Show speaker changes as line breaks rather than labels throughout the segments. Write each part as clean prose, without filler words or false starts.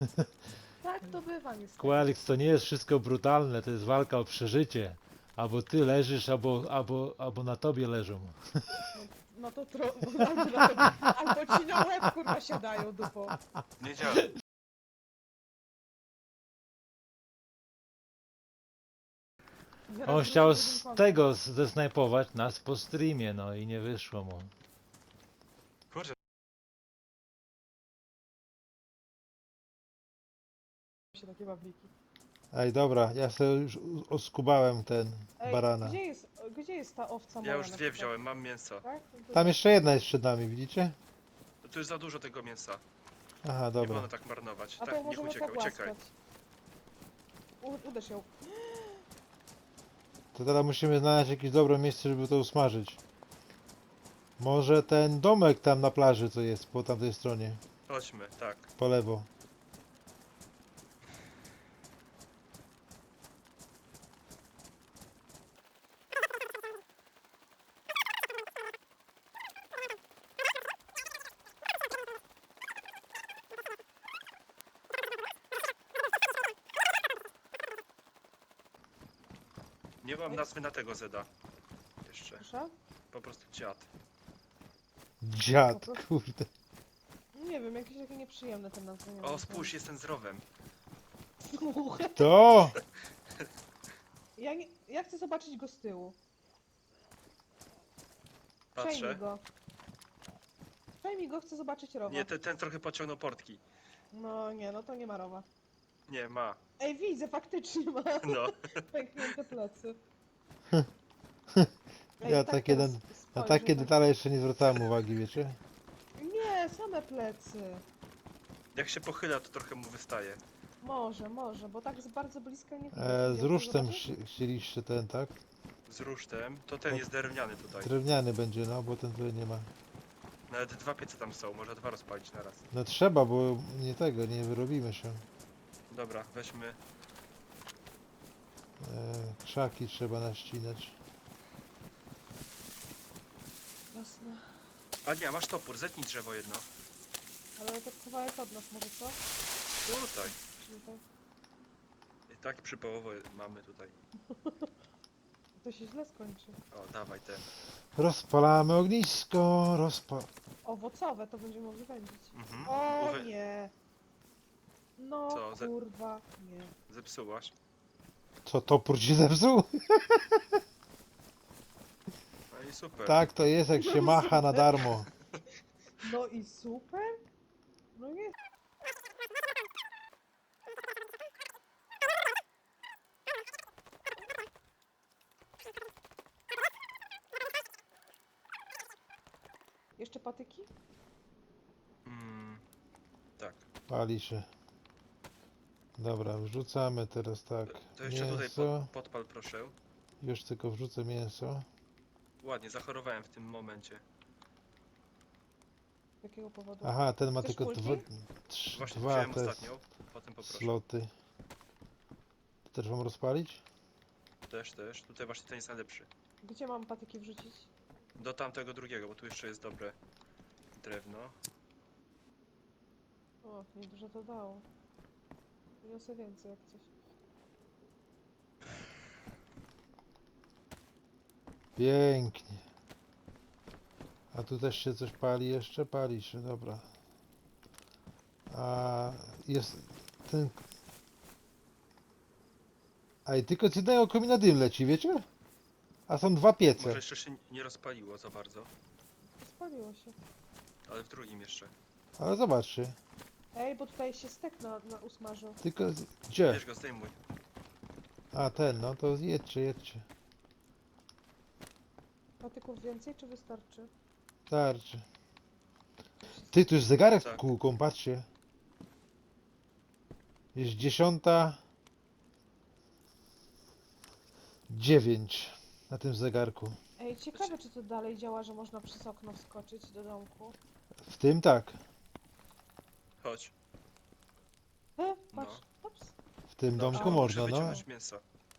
Tak to bywa niestety.
Qualix, to nie jest wszystko brutalne, to jest walka o przeżycie. Albo ty leżysz, albo na tobie leżą.
No to albo ci na łeb kurwa siadają dupo.
Nie działa.
Zaraz
On
wrócę
chciał
do
z
Lincolna.
tego zesnajpować nas po streamie, no i nie wyszło mu.
Kurczę,
Się takie babliki.
Ej, dobra, ja sobie już oskubałem ten
Ej,
barana.
gdzie jest ta owca
ja
moja
już
na
dwie
przykład?
wziąłem, mam mięso.
Tak? No to
Tam jeszcze jedna jest przed nami, widzicie?
Tu jest za dużo tego mięsa.
Aha,
Nie
dobra.
wolno tak marnować.
A to
Tak, niech
możemy
ucieka, uciekaj.
pogłaskać. Uderz ją.
To teraz musimy znaleźć jakieś dobre miejsce, żeby to usmażyć. Może ten domek tam na plaży, co jest po tamtej stronie,
Chodźmy, tak.
po lewo.
Nie mam nazwy na tego Zeda. Jeszcze.
Proszę?
Po prostu dziad.
Dziad, kurde.
Nie wiem, jakieś takie nieprzyjemne te nazwy.
O, spójrz, jest ten z rowem.
To!
Ja chcę zobaczyć go z tyłu. Przejmij
Patrzę.
go. Przejmij go, chcę zobaczyć rowa.
Nie, ten trochę pociągnął portki.
No nie, no to nie ma rowa.
Nie, ma.
Ej, widzę, faktycznie ma
No.
pęknięte plecy.
Ja
tak
takie
teraz
na
spojrzę,
takie
tak-
detale jeszcze nie zwracałem uwagi, wiecie?
Nie, same plecy.
Jak się pochyla, to trochę mu wystaje.
Może, bo tak z bardzo bliska nie widać.
Z
Chcesz
rusztem
zobaczyć?
chcieliście ten, tak?
Z rusztem. To ten
O.
jest drewniany tutaj.
Drewniany będzie, no, bo ten tutaj nie ma.
Nawet dwa piece tam są, można dwa rozpalić naraz.
No trzeba, bo nie tego, nie wyrobimy się.
Dobra, weźmy.
Krzaki trzeba naścinać.
Jasne.
A nie, masz topór, zetnij drzewo jedno.
Ale to kawałek od nas może, co?
Tutaj.
Czyli tak.
I tak przypołowo mamy tutaj.
To się źle skończy.
O, dawaj ten.
Rozpalamy ognisko,
Owocowe to będziemy mogli wędzić.
Mhm.
O
Uwe-
nie! No
Co,
kurwa, nie.
Zepsułaś.
Co, topór ci zepsuł?
No i super.
Tak to jest, jak się macha na darmo.
No i super? No nie. Jeszcze patyki?
Mm, tak.
Pali się. Dobra, wrzucamy teraz tak.
To jeszcze tutaj
Mięso.
podpal proszę.
Już tylko wrzucę mięso.
Ładnie, zachorowałem w tym momencie.
Z jakiego powodu?
Aha, ten ma
Chcesz
tylko
kulki?
Właśnie
dwa
wziąłem
te
ostatnią, potem poproszę.
sloty. To też mam rozpalić?
Też. Tutaj właśnie ten jest najlepszy.
Gdzie mam patyki wrzucić?
Do tamtego drugiego, bo tu jeszcze jest dobre drewno.
O, niedużo to dało. Wniosę więcej jak coś.
Pięknie. A tu też się coś pali jeszcze? Pali się, dobra. A jest ten... A i tylko z jednego komina dym leci, wiecie? A są dwa
Może
piece.
jeszcze się nie rozpaliło za bardzo,
Spaliło się.
ale w drugim jeszcze.
Ale zobaczcie.
Ej, bo tutaj się stek na usmażył.
Tylko... Gdzie?
Bierz go, zdejmuj.
A ten, no to jedźcie.
Patyków więcej czy wystarczy?
Starczy. Ty, tu jest zegarek z
Tak.
kółką, patrzcie. Jest 10:09 na tym zegarku.
Ej, ciekawe czy to dalej działa, że można przez okno wskoczyć do domku.
W tym tak.
Chodź.
Patrz, ups.
W tym
Dobrze,
domku
muszę
można, no.
wyciągnąć mięso.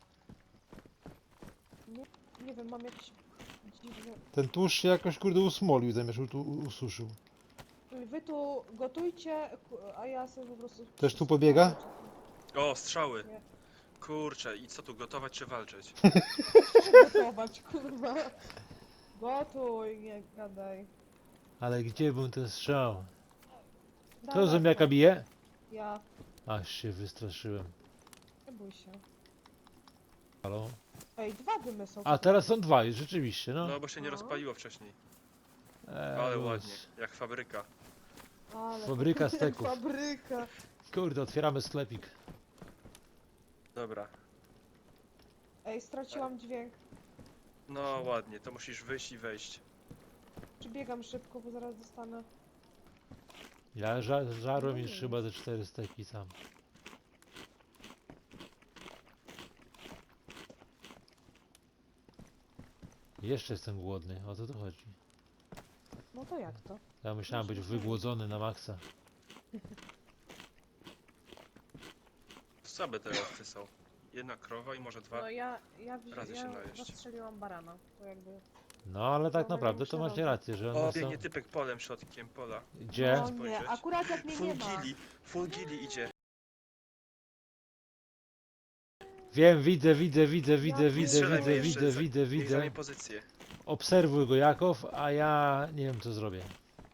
Nie wiem, mam jakiś dziwny...
Ten tłuszcz się jakoś kurde usmolił, zamiast ususzył.
Czekaj, wy tu gotujcie, a ja sobie po prostu...
Też tu pobiega?
O, strzały!
Nie.
Kurczę, i co tu, gotować czy walczyć?
Gotować, kurwa. Gotuj, nie gadaj.
Ale gdzie był ten strzał? Kto
Dawaj,
zombiaka
dawaj.
bije?
Ja.
Aż się wystraszyłem.
Nie bój się.
Halo?
Ej, 2 dymy są.
A teraz są dwa, już rzeczywiście, no.
No, bo się nie
No.
rozpaliło wcześniej. Ale
luz.
ładnie, jak fabryka.
Ale...
Fabryka steków.
Fabryka.
Kurde, otwieramy sklepik.
Dobra.
Ej, straciłam dźwięk.
No ładnie, to musisz wyjść i wejść.
Przybiegam szybko, bo zaraz dostanę.
Ja żarłem już chyba ze 4 steki sam. Jeszcze jestem głodny, o co tu chodzi?
No to jak to?
Ja myślałem być wygłodzony na maksa.
Słabe te owce są. Jedna krowa i może dwa.
No ja
razy się najeść.
zastrzeliłam barana. To jakby...
No ale tak
Dobra,
naprawdę
muszę
to macie
robić.
rację, że
O,
one są...
biegnie typek polem, środkiem pola.
Gdzie?
No nie,
Spojrzeć.
akurat jak mnie nie ma.
Full gili idzie.
Wiem, widzę, widzę, widzę,
Ja
widzę,
nie
widzę,
strzelaj
widzę,
mnie jeszcze,
widzę,
za-
widzę,
Niech
widzę.
zajmie pozycję.
Obserwuj go Jakow, a ja nie wiem co zrobię.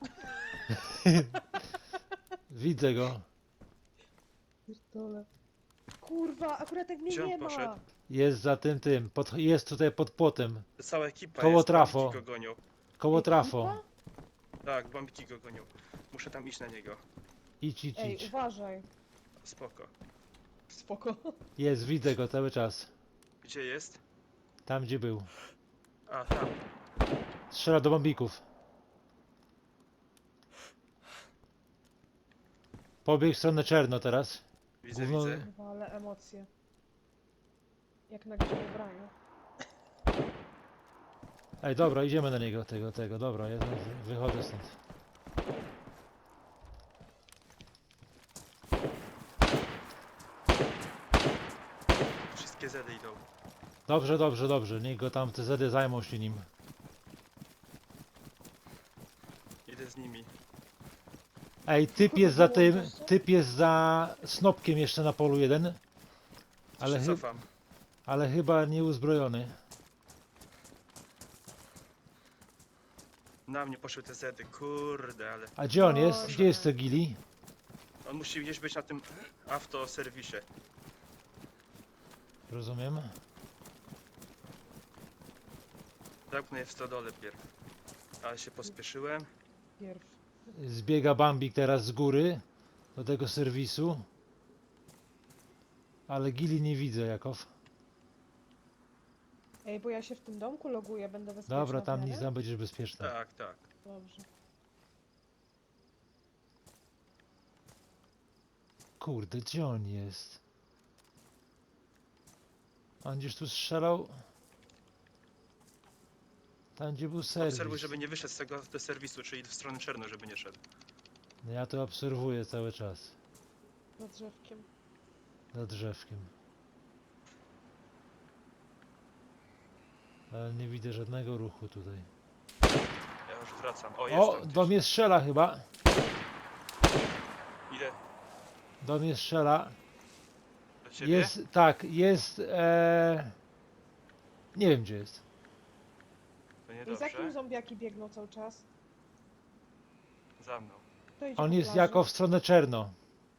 Widzę go.
Pierdolę. Kurwa, akurat jak mnie
Gdzie on
nie ma.
poszedł?
Jest za tym, jest tutaj pod płotem.
Cała ekipa
Koło
jest,
trafo.
bambiki go gonią.
Koło
Ekipa?
trafo.
Tak, bambiki go gonią. Muszę tam iść na niego.
Idź, idź,
Ej,
idź.
uważaj.
Spoko.
Spoko.
Jest, widzę go cały czas.
Gdzie jest?
Tam gdzie był.
A, tam.
Strzela do bombików. Pobiegł w stronę czerno teraz.
Widzę,
Gówno-
widzę.
Kurwa, ale emocje. Jak na grze ubraniu.
Ej, dobra, idziemy na niego, tego, dobra, ja wychodzę stąd.
Wszystkie zedy idą.
Dobrze, dobrze, dobrze, niech go tam te zedy zajmą się nim.
Idę z nimi.
Ej, typ jest za tym, typ jest za snopkiem jeszcze na polu jeden. Ale,
Ale cofam.
ale chyba nie uzbrojony.
Na mnie poszły te zedy, kurde, ale...
A gdzie on
Boże.
jest? Gdzie jest Tegili?
On musi gdzieś być na tym autoserwisie.
Rozumiem.
Zamknę je w stodole pierw. Ale się pospieszyłem.
Pierw.
Zbiega Bambik teraz z góry do tego serwisu. Ale Gili nie widzę, Jakow.
Ej, bo ja się w tym domku loguję, będę bezpieczna.
Dobra, tam
w
nic,
miarę?
tam będziesz bezpieczny.
Tak, tak.
Dobrze.
Kurde, gdzie on jest? On gdzieś tu strzelał? Tam gdzie był serwis.
Obserwuj, żeby nie wyszedł z tego do serwisu, czyli w stronę czerno, żeby nie szedł.
No ja to obserwuję cały czas.
Za drzewkiem.
Za drzewkiem. Ale nie widzę żadnego ruchu tutaj.
Ja już wracam. O, jest
O,
tam
do mnie strzela chyba.
gdzieś. Idę
Do mnie strzela.
do ciebie.
Jest, tak, jest. Nie wiem gdzie jest.
I
To
z
niedobrze.
jakim zombiaki biegną cały czas?
Za mną.
To idzie
On
po
jest
plaży.
jako w stronę czerno.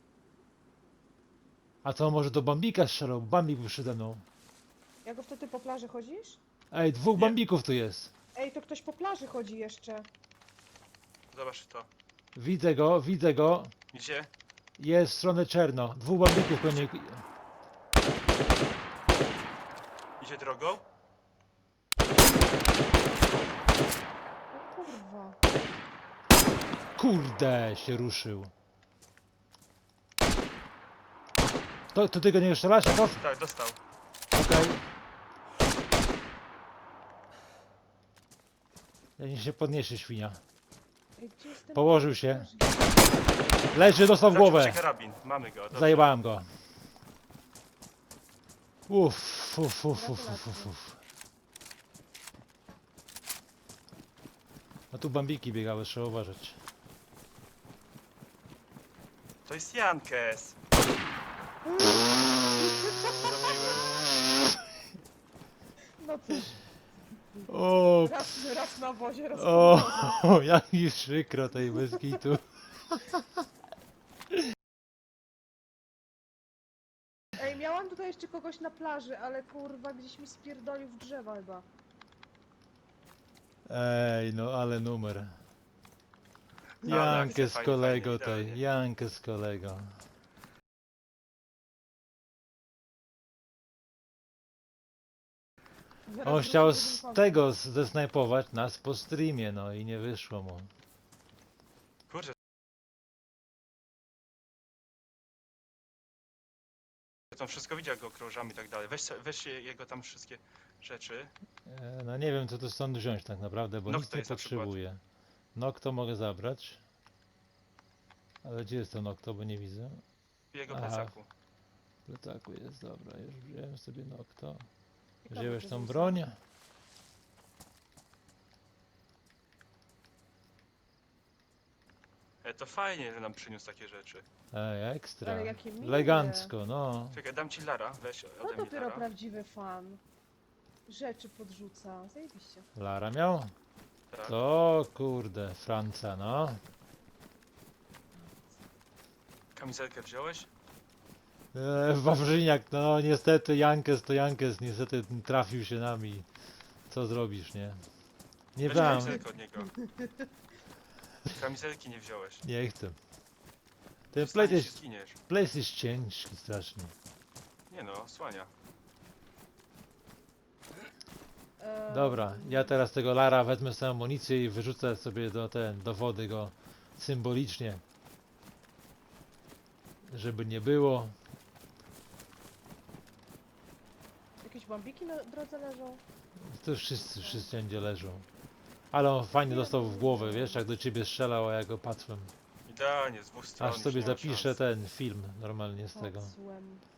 A to może do Bambika strzelał? Bambik był przede mną.
Jako wtedy po plaży chodzisz?
Ej, dwóch
Nie.
Bambików tu jest.
Ej, to ktoś po plaży chodzi jeszcze.
Zobacz to.
Widzę go, widzę go.
Gdzie?
Jest w stronę czerno. Dwóch Bambików pewnie.
Idzie drogą?
O kurwa.
Kurde, się ruszył. To ty go nie strzelasz, Jakow?
Tak, dostał.
Okej. Ja niech się podniesie świnia.
Ej, gdzie jest ten...
Położył się. Leży, dostał w
Zaczął
głowę.
się karabin. Mamy go. Dobrze.
Zajebałem go. Uff, uff, uff, uff, uff, uff, uff. A tu bambiki biegały, trzeba uważać.
To jest Jankes. Zabiłem.
No cóż,
O,
raz na wozie, raz
o,
na wozie.
jak mi przykro tej bez kitu.
Ej, miałam tutaj jeszcze kogoś na plaży, ale kurwa gdzieś mi spierdolił w drzewa chyba.
Ej, no ale numer.
No,
Jankę
akcja,
z
fajnie,
kolego
fajnie,
tej,
idealnie.
Jankę z kolego.
Zaraz
On
wrócę
chciał
do
z
Lincolna.
tego zesnajpować nas po streamie, no i nie wyszło mu.
Kurczę. Tam wszystko widział, jak go krążamy i tak dalej. Weź jego tam wszystkie rzeczy.
No nie wiem co tu stąd wziąć tak naprawdę, bo
No,
nic
kto
nie
jest na przykład?
potrzebuję. Nokto mogę zabrać. Ale gdzie jest to Nokto, bo nie widzę.
W jego
Aha.
plecaku.
W plecaku jest, dobra, już wziąłem sobie Nokto.
Ciekawe,
Wziąłeś
co
tą
za
broń?
To fajnie, że nam przyniósł takie rzeczy.
Ej, ekstra.
Ale jakie miłe.
Elegancko, no.
Czekaj, dam ci Lara, weź
To
ode mnie
dopiero
Lara.
prawdziwy fan. Rzeczy podrzuca, zajebiście.
Lara miał?
Tak.
To kurde, Franca, no.
Kamizelkę wziąłeś?
Wawrzyniak, no niestety Jankes to Jankes, niestety trafił się nami. Co zrobisz, nie? Nie
Weź
brałem,
kamizelkę od niego. Kamizelki nie wziąłeś.
nie chcę. Ten
Wstaniesz
plate
i
jest,
zginiesz.
place jest ciężki strasznie.
Nie no, słania.
Dobra, ja teraz tego Lara wezmę sobie amunicję i wyrzucę sobie do wody go symbolicznie. Żeby nie było.
Jakieś bambiki na drodze leżą?
To wszyscy wszędzie leżą. Ale on fajnie dostał w głowę, wiesz, jak do ciebie strzelał, a ja go patrzyłem.
Idealnie, z dwóch stron.
Aż
już
sobie
nie ma
zapiszę
szans.
ten film normalnie z tego.
Patrzyłem.